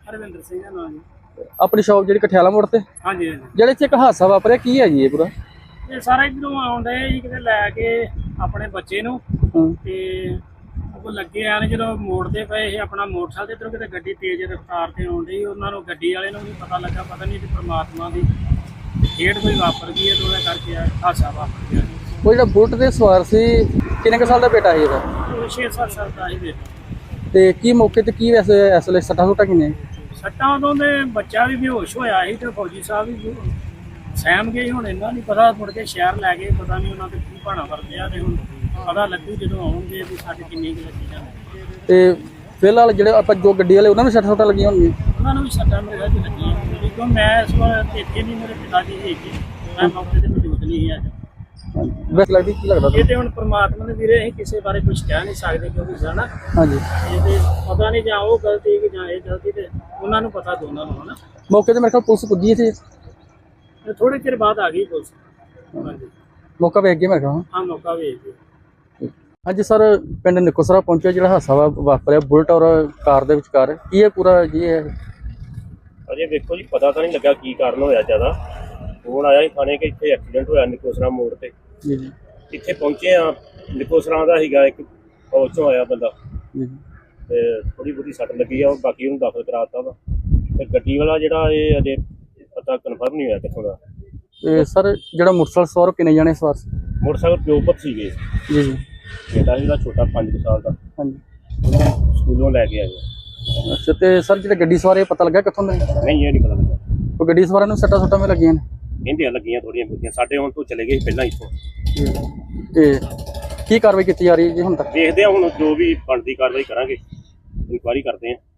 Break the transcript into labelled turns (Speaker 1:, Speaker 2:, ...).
Speaker 1: ਹਰਵਿੰਦਰ ਸਿੰਘ ਦਾ ਨਾਮ ਜੀ।
Speaker 2: ਆਪਣੀ ਸ਼ੌਪ ਜਿਹੜੀ ਕਠਿਆਲਾ ਮੋੜ ਤੇ
Speaker 1: ਹਾਂਜੀ ਹਾਂਜੀ।
Speaker 2: ਜਿਹੜੇ ਚ ਇੱਕ ਹਾਦਸਾ ਵਾਪਰਿਆ ਕੀ ਹੈ ਜੀ ਇਹ ਪੂਰਾ?
Speaker 1: ਇਹ ਸਾਰਾ ਇਧਰੋਂ ਆਉਂਦੇ ਜੀ ਕਿਤੇ ਲੈ ਕੇ ਆਪਣੇ ਬੱਚੇ ਨੂੰ ਤੇ ਉਹ ਲੱਗੇ ਆ ਨੇ ਜਦੋਂ ਮੋੜਦੇ ਪਏ ਇਹ ਆਪਣਾ ਮੋਟਰਸਾਈਕਲ ਇਧਰੋਂ ਕਿਤੇ ਗੱਡੀ ਤੇਜ਼ ਰਫ਼ਤਾਰ ਤੇ ਆਉਂਦੀ ਉਹਨਾਂ ਨੂੰ ਗੱਡੀ ਵਾਲੇ ਨੂੰ ਵੀ ਪਤਾ ਲੱਗਾ ਪਤਾ ਨਹੀਂ ਤੇ ਪ੍ਰਮਾਤਮਾ ਦੀ ਖੇਡ ਕੋਈ ਵਾਪਰ ਗਈ ਹੈ ਤੇ ਉਹਦੇ ਕਰਕੇ ਹਾਦਸਾ ਵਾਪਰ ਗਿਆ।
Speaker 2: ਉਹ ਜਿਹੜਾ ਬੁਲਟ ਤੇ ਸਵਾਰ ਸੀ ਕਿੰਨੇ ਕੁ ਸਾਲ ਦਾ ਬੇਟਾ ਸੀ ਇਹਦਾ?
Speaker 1: ਉਹ 6-7 ਸਾਲ ਦਾ ਹੀ ਬੇਟਾ।
Speaker 2: ਤੇ ਕੀ ਮੌਕੇ ਤੇ ਕੀ ਵੈਸੇ ਇਸ ਵੇਲੇ ਸੱਟਾਂ ਸੁੱਟਾਂ ਕਿੰਨੇ?
Speaker 1: ਸੱਟਾਂ ਉਦੋਂ ਦੇ ਬੱਚਾ ਵੀ ਬੇਹੋਸ਼ ਹੋਇਆ ਸੀ ਤੇ ਫੌਜੀ ਸਾਹਿਬ ਵੀ ਸਹਿਮ ਗਏ। ਹੁਣ ਇਹਨਾਂ ਨਹੀਂ ਪਤਾ ਮੁੜ ਕੇ ਸ਼ਹਿਰ ਲੈ ਗਏ ਪਤਾ ਨਹੀਂ ਉਹਨਾਂ ਤੇ ਕੀ ਭਾਣਾ ਵਰਤਿਆ ਤੇ ਹੁਣ ਪਤਾ ਲੱਗੂ ਜਦੋਂ ਆਉਣਗੇ ਵੀ ਸਾਡੇ ਕਿੰਨੀ ਕੁ ਲੱਗੀ ਜਾਂਦੇ।
Speaker 2: ਤੇ ਫਿਲਹਾਲ ਜਿਹੜੇ ਆਪਾਂ ਜੋ ਗੱਡੀ ਵਾਲੇ ਉਹਨਾਂ ਨੂੰ ਸੱਟਾਂ ਸੁੱਟਾਂ ਲੱਗੀਆਂ ਹੋਣਗੀਆਂ?
Speaker 1: ਉਹਨਾਂ ਨੂੰ ਵੀ ਸੱਟਾਂ ਮੇਰੇ ਘਰ ਲੱਗੀਆਂ ਕਿਉਂਕਿ ਮੈਂ ਇਸ ਵਾਰ ਇੱਥੇ ਨਹੀਂ ਮੇਰੇ ਪਿਤਾ ਜੀ ਹੈਗੇ ਮੈਂ ਮੌਕੇ ਤੇ ਮੌਜੂਦ ਨਹੀਂ ਸੀ ਅੱਜ।
Speaker 2: ਵੈਸੇ ਲੱਗਦੀ ਕੀ ਲੱਗਦਾ
Speaker 1: ਇਹ ਤੇ ਹੁਣ ਪ੍ਰਮਾਤਮਾ ਦੇ ਵੀਰੇ ਅਸੀਂ ਕਿਸੇ ਬਾਰੇ ਕੁਝ ਕਹਿ ਨਹੀਂ ਸਕਦੇ ਕਿਉਂਕਿ ਜਾਣਾ
Speaker 2: ਹਾਂਜੀ
Speaker 1: ਇਹ ਤੇ ਪਤਾ ਨਹੀਂ ਜਾਂ ਉਹ ਗਲਤੀ ਕਿ ਜਾਂ ਇਹ ਗਲਤੀ ਤੇ ਉਹਨਾਂ ਨੂੰ ਪਤਾ ਦੋਨਾਂ ਨੂੰ ਹਨਾ।
Speaker 2: ਮੌਕੇ ਤੇ ਮੇਰੇ ਕੋਲ ਪੁਲਿਸ ਪੁੱਜੀ ਸੀ
Speaker 1: ਥੋੜੇ ਚਿਰ ਬਾਅਦ ਆ ਗਈ ਪੁਲਿਸ। ਹਾਂਜੀ
Speaker 2: ਮੌਕਾ ਵੇਖ ਗਿਆ ਮੇਰੇ ਕੋਲ।
Speaker 1: ਹਾਂ ਮੌਕਾ ਵੇਖ ਗਏ।
Speaker 2: ਹਾਂਜੀ ਸਰ ਪਿੰਡ ਨਿਕੋਸਰਾ ਪਹੁੰਚਿਆ ਜਿਹੜਾ ਹਾਦਸਾ ਵਾਪਰਿਆ ਬੁਲਟ ਔਰ ਕਾਰ ਦੇ ਵਿਚਕਾਰ ਕੀ ਹੈ ਪੂਰਾ ਜੀ ਇਹ?
Speaker 3: ਅਜੇ ਵੇਖੋ ਜੀ ਪਤਾ ਤਾਂ ਨਹੀਂ ਲੱਗਾ ਕੀ ਕਾਰਨ ਹੋਇਆ ਜ਼ਿਆਦਾ। ਫੋਨ ਆਇਆ ਸੀ ਥਾਣੇ ਕਿ ਇੱਥੇ ਐਕਸੀਡੈਂਟ ਹੋਇਆ ਨਿਕੋਸਰਾ ਮੋੜ ਤੇ।
Speaker 2: ਜੀ ਜੀ
Speaker 3: ਇੱਥੇ ਪਹੁੰਚੇ ਆ ਨਿਕੋਸਰਾ ਦਾ ਸੀਗਾ ਇੱਕ ਫੌਜ ਚੋਂ ਆਇਆ ਬੰਦਾ
Speaker 2: ਜੀ
Speaker 3: ਤੇ ਥੋੜੀ ਬਹੁਤੀ ਸੱਟ ਲੱਗੀ ਆ ਉਹ ਬਾਕੀ ਉਹਨੂੰ ਦਾਖਲ ਕਰਾਤਾ ਵਾ ਤੇ ਗੱਡੀ ਵਾਲਾ ਜਿਹੜਾ ਇਹ ਅਜੇ ਪਤਾ ਕਨਫਰਮ ਨਹੀਂ ਹੋਇਆ ਕਿੱਥੋਂ ਦਾ।
Speaker 2: ਤੇ ਸਰ ਜਿਹੜਾ ਮੋਟਰਸਾਈਕਲ ਸਵਾਰ ਕਿੰਨੇ ਜਾਣੇ ਸਵਾਰ ਸੀ?
Speaker 3: ਮੋਟਰਸਾਈਕਲ ਪਿਓ ਪੁੱਤ ਸੀਗੇ।
Speaker 2: ਜੀ ਜੀ
Speaker 3: ਬੇਟਾ ਜਿਹੜਾ ਛੋਟਾ 5 ਸਾਲ ਦਾ
Speaker 2: ਹਾਂਜੀ
Speaker 3: ਸਕੂਲੋਂ ਲੈ ਕੇ ਆਏ।
Speaker 2: ਅੱਛਾ ਤੇ ਸਰ ਜਿਹੜੇ ਗੱਡੀ ਸਵਾਰ ਇਹ ਪਤਾ ਲੱਗਾ ਕਿੱਥੋਂ ਦੇ?
Speaker 3: ਨਹੀਂ ਇਹ ਨਹੀਂ ਪਤਾ ਲੱਗਾ।
Speaker 2: ਉਹ ਗੱਡੀ ਸਵਾਰਾਂ ਨੂੰ ਸੱਟਾਂ ਸੁੱਟਾਂ ਵੀ ਲੱਗੀਆਂ ਨੇ?
Speaker 3: ਕਹਿੰਦੇ ਲੱਗੀਆਂ ਥੋੜੀਆਂ ਬਹੁਤੀਆਂ ਸਾਡੇ ਹੁਣ ਤੋਂ ਚਲੇ ਗਏ ਸੀ ਪਹਿਲਾਂ ਇੱਥੋਂ।
Speaker 2: ਤੇ ਕੀ ਕਾਰਵਾਈ ਕੀਤੀ ਜਾ ਰਹੀ ਹੈ ਜੀ ਹੁਣ ਤੱਕ?
Speaker 3: ਦੇਖਦੇ ਆ ਹੁਣ ਜੋ ਵੀ ਬਣਦੀ ਕਾਰਵਾਈ ਕਰਾਂਗੇ ਇਨਕੁਆਇਰੀ ਕਰਦੇ ਆ।